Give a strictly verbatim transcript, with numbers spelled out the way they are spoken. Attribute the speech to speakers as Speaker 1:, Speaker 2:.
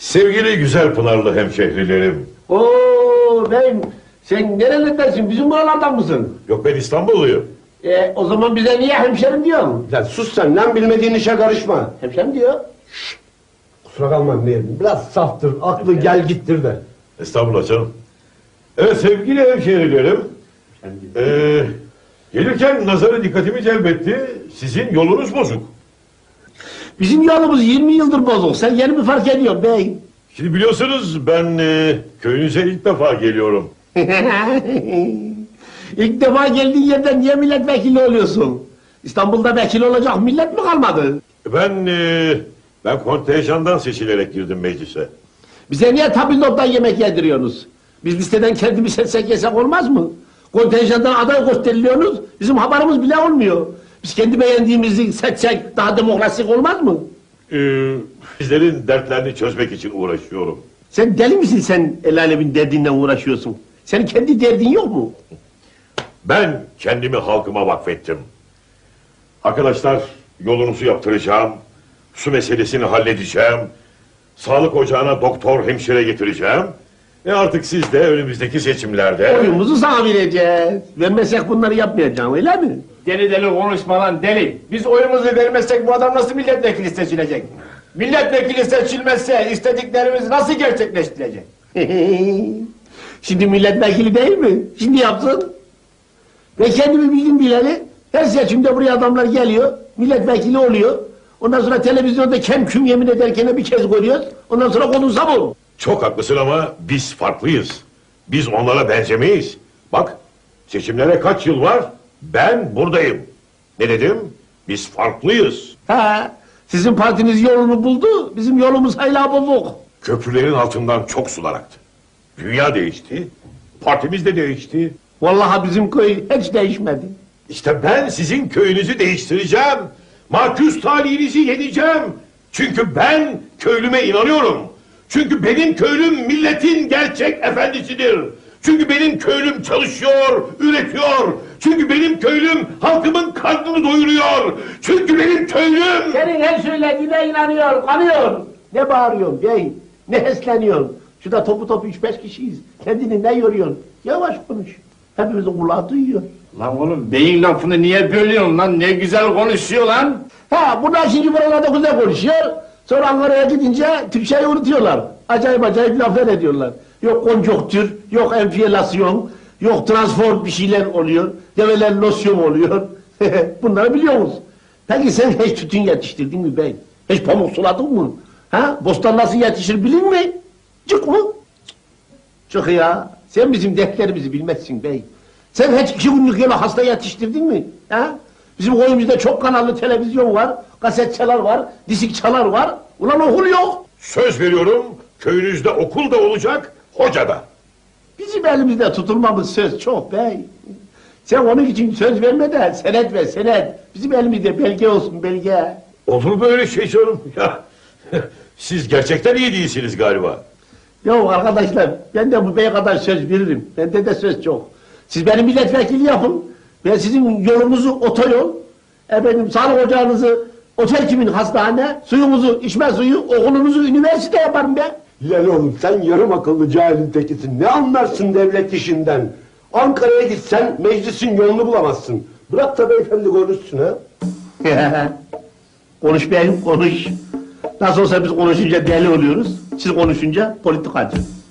Speaker 1: Sevgili güzel Pınarlı hemşehrilerim.
Speaker 2: Oo ben, sen nerelerdensin? Bizim buralardan mısın?
Speaker 1: Yok, ben İstanbulluyum.
Speaker 2: E, o zaman bize niye hemşerim diyorsun?
Speaker 3: Lan sus sen lan, bilmediğin işe karışma.
Speaker 2: Hemşerim diyor.
Speaker 3: Kusura kalma diyelim. Biraz saftır, aklı gel gittir de.
Speaker 1: Estağfurullah canım. Evet sevgili hemşehrilerim. Ee, gelirken nazarı dikkatimi celbetti. Sizin yolunuz bozuk.
Speaker 2: Bizim yolumuz yirmi yıldır bozuk. Sen yeni mi fark ediyorsun bey?
Speaker 1: Şimdi biliyorsunuz ben e, köyünüze ilk defa geliyorum.
Speaker 2: İlk defa geldiğin yerden niye milletvekili oluyorsun? İstanbul'da vekil olacak millet mi kalmadı?
Speaker 1: Ben e, ben kontenjandan seçilerek girdim meclise.
Speaker 2: Bize niye tabildottan yemek yediriyorsunuz? Biz listeden kendimiz seçsek yesek olmaz mı? Kontenjandan aday gösteriliyorsunuz, bizim haberimiz bile olmuyor. Biz kendi beğendiğimizi seçsek daha demokrasik olmaz mı?
Speaker 1: Ee, sizlerin dertlerini çözmek için uğraşıyorum.
Speaker 2: Sen deli misin, sen el alemin derdinden uğraşıyorsun? Senin kendi derdin yok mu?
Speaker 1: Ben kendimi halkıma vakfettim. Arkadaşlar, yolunuzu yaptıracağım. Su meselesini halledeceğim. Sağlık ocağına doktor, hemşire getireceğim. Ve artık siz de önümüzdeki seçimlerde...
Speaker 2: Oyumuzu sana vereceğiz. Vermezsek bunları yapmayacağım, öyle mi?
Speaker 4: Deli deli konuşma lan deli. Biz oyumuzu vermezsek bu adam nasıl milletvekili seçilecek? Milletvekili seçilmezse istediklerimiz nasıl gerçekleştirecek?
Speaker 2: Şimdi milletvekili değil mi? Şimdi yapsın. Ve kendimi bildim bileli, her seçimde buraya adamlar geliyor, milletvekili oluyor. Ondan sonra televizyonda kem küm yemin ederken bir kez görüyoruz. Ondan sonra konuşsa bu.
Speaker 1: Çok haklısın ama biz farklıyız. Biz onlara benzemeyiz. Bak, seçimlere kaç yıl var? Ben buradayım. Ne dedim? Biz farklıyız.
Speaker 2: Ha, sizin partiniz yolunu buldu, bizim yolumuz hala bozuk.
Speaker 1: Köprülerin altından çok sular aktı. Dünya değişti. Partimiz de değişti.
Speaker 2: Vallahi bizim köy hiç değişmedi.
Speaker 1: İşte ben sizin köyünüzü değiştireceğim. Maküs talihinizi yeneceğim. Çünkü ben köylüme inanıyorum. Çünkü benim köylüm milletin gerçek efendisidir. Çünkü benim köylüm çalışıyor, üretiyor. Çünkü benim köylüm halkımın karnını doyuruyor. Çünkü benim köylüm...
Speaker 2: Senin her söylediğine inanıyor, kanıyor. Ne bağırıyorsun bey, ne hesleniyorsun? Şurada topu topu üç beş kişiyiz. Kendini ne yoruyorsun? Yavaş konuş. Hepimizin kulağı duyuyor.
Speaker 4: Lan oğlum beyin lafını niye bölüyorsun lan? Ne güzel konuşuyor lan.
Speaker 2: Ha, bunlar şimdi buralarda güzel konuşuyor. Sonra Ankara'ya gidince Türkçeyi unutuyorlar. Acayip acayip laflar ediyorlar. Yok konjonktür, yok enflasyon, yok transform bir şeyler oluyor. Develer losyon oluyor. Bunları biliyoruz. Peki sen hiç tütün yetiştirdin mi bey? Hiç pamuk suladın mı? Ha? Bostan nasıl yetişir bilin mi? Çık mı? Çık ya. Sen bizim dertlerimizi bilmezsin bey. Sen hiç iki günlük yola hasta yetiştirdin mi? Ha? Bizim koyumuzda çok kanallı televizyon var, kasetçalar var, disikçalar var. Ulan okul yok.
Speaker 1: Söz veriyorum, köyünüzde okul da olacak, hoca da.
Speaker 2: Bizim elimizde tutulmamız söz çok bey. Sen onun için söz verme de senet ver senet. Bizim elimizde belge olsun belge.
Speaker 1: Olur mu öyle şey canım? Ya, siz gerçekten iyi değilsiniz galiba.
Speaker 2: Yok arkadaşlar, ben de bu beye kadar söz veririm. Bende de söz çok. Siz benim milletvekili yapın. Ben sizin yolunuzu otoyol, efendim sağlık ocağınızı otel kimin hastane, suyumuzu içme suyu, okulunuzu üniversite yaparım ben.
Speaker 3: Lan oğlum sen yarım akıllı cahilin tekisin. Ne anlarsın devlet işinden? Ankara'ya gitsen meclisin yolunu bulamazsın. Bırak da beyefendi konuşsun ha.
Speaker 2: Konuş beyim konuş. Nasıl olsa biz konuşunca deli oluyoruz. Siz konuşunca politikacı.